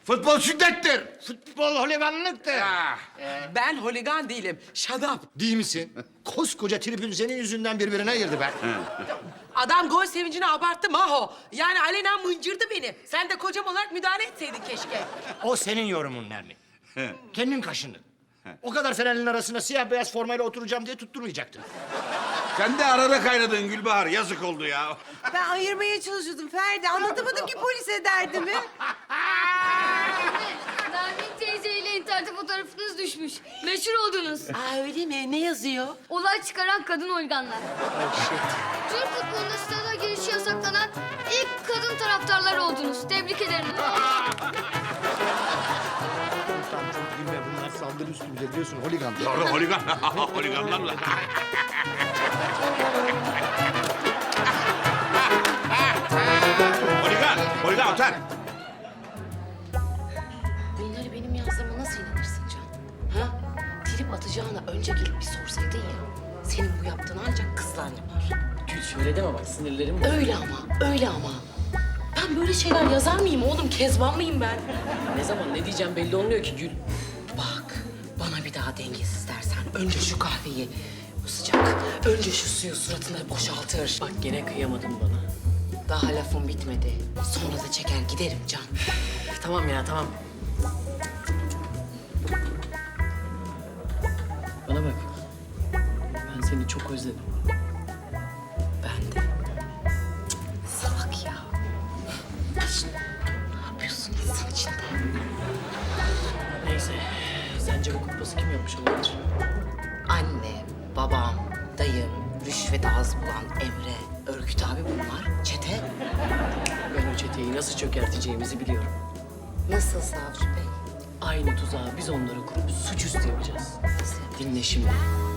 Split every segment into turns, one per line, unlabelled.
Futbol şiddettir.
Futbol holiganlıktır.
Ben holigan değilim. Shut up.
Değil misin? Koskoca tribün senin yüzünden birbirine ayırdı be.
Adam gol sevincini abarttı Maho. Yani alenen mıncırdı beni. Sen de kocam olarak müdahale etseydin keşke.
O senin yorumun Nermin. Kendin kaşındın. O kadar Fenerli'nin arasına siyah beyaz formayla oturacağım diye tutturmayacaktın.
Sen de arada kaynadın Gülbahar. Yazık oldu ya.
Ben ayırmaya çalışıyordum Ferdi. Anlatamadım ki polise derdimi.
Nermin teyzeyle internete fotoğrafınız düşmüş. Meşhur oldunuz.
Aa öyle mi? Ne yazıyor?
Olay çıkaran kadın organlar. Türk futbolunda stada girişi yasaklanan ilk kadın taraftarlar oldunuz. Tebrik ederim.
Tamam çok gülme, bunlar saldırı üstümüze biliyorsun holigan.
Doğru holigan. Holiganlarla. Holigan otel.
Bunları benim yazdığıma nasıl inanırsın Can? Ha? Trip atacağına önce gelip bir sorsaydın ya. Senin bu yaptığını ancak kızlar yapar.
Gül şöyle deme bak sinirlerim var.
Öyle ama, öyle ama. Ben böyle şeyler yazar mıyım oğlum? Kezban mıyım ben?
Ne zaman ne diyeceğim belli olmuyor ki Gül.
Bak, bana bir daha dengesiz dersen önce şu kahveyi, bu sıcak, önce şu suyu suratına boşaltır.
Bak gene kıyamadın bana.
Daha lafım bitmedi. Sonra da çeker giderim Can.
Tamam ya tamam. Bana bak. Ben seni çok özledim.
Ben de. Cık, salak ya. Şişt, ne yapıyorsun insan içinde?
Neyse. Sence bu kumpası kim yapmış olabilir?
Annem, babam, dayım, rüşvet ağız bulan Emre, Örgüt abi bunlar. Çete.
Ben o çeteyi nasıl çökerteceğimizi biliyorum.
Nasıl Savcı Bey?
Aynı tuzağı biz onlara kurup suçüstü yapacağız.
Nasıl yapacağız?
Dinle şimdi.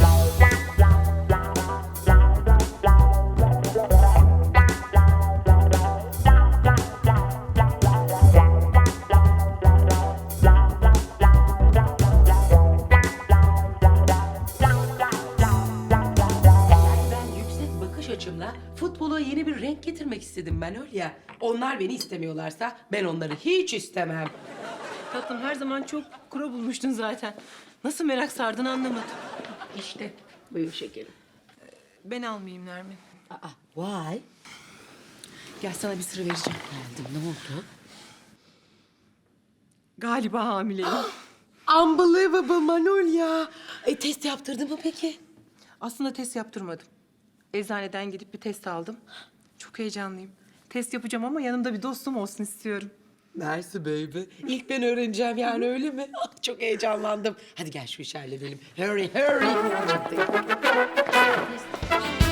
Ben yüksek bakış açımla futbola yeni bir renk getirmek istedim ben öyle ya. Onlar beni istemiyorlarsa ben onları hiç istemem.
Tatlım her zaman çok kuru bulmuştun zaten. Nasıl merak sardığını anlamadım.
İşte buyur şekerim.
Ben almayayım Nermin.
Aa, vay.
Gel sana bir sır vereceğim.
Geldim, ne oldu?
Galiba hamileyim.
Unbelievable Manolya. Test yaptırdın mı peki?
Aslında test yaptırmadım. Eczaneden gidip bir test aldım. Çok heyecanlıyım. Test yapacağım ama yanımda bir dostum olsun istiyorum.
Mersi baby. İlk ben öğreneceğim yani öyle mi? Ah, çok heyecanlandım. Hadi gel şu işi halledelim. Hurry, hurry. Çok da-